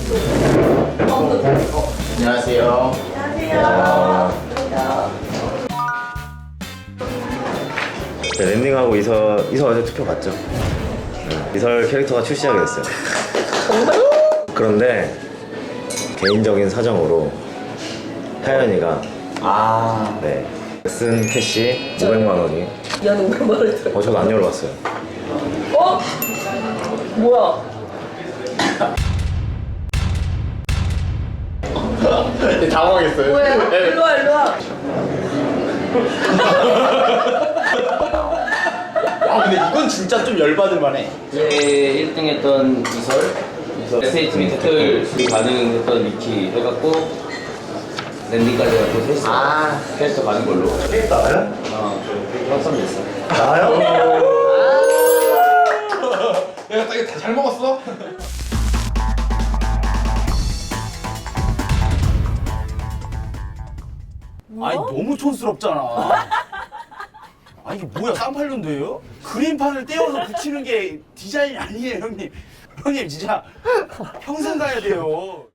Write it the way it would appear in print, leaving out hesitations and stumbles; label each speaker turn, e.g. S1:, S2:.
S1: 안녕하세요.
S2: 네, 랜딩하고 이설 어제 투표 봤죠? 이설 캐릭터가 출시하게 됐어요. 그런데 개인적인 사정으로 타연이가 네, 쓴 캐시 500만 원이
S3: 미안 500만 원을 들어.
S2: 저도 안 열어봤어요.
S3: 어? 뭐야?
S1: 당황했어요.
S3: 뭐야? 일로와 일로와.
S1: 아 근데 이건 진짜 좀 열받을 만해.
S4: 제 1등 했던 이설 SH팀이 댓글 수리 가능했던 위키 해갖고 랜딩까지 해갖고 셋이서 캐릭터 가는 걸로
S2: 나요?
S4: 확정됐어.
S2: 나요?
S1: 내가 딱 이거 다 잘 먹었어?
S5: 아니 너무 촌스럽잖아. 아 이게 뭐야 쌍팔년도예요? 그림판을 떼어서 붙이는 게 디자인이 아니에요 형님. 형님 진짜 평생 가야 돼요.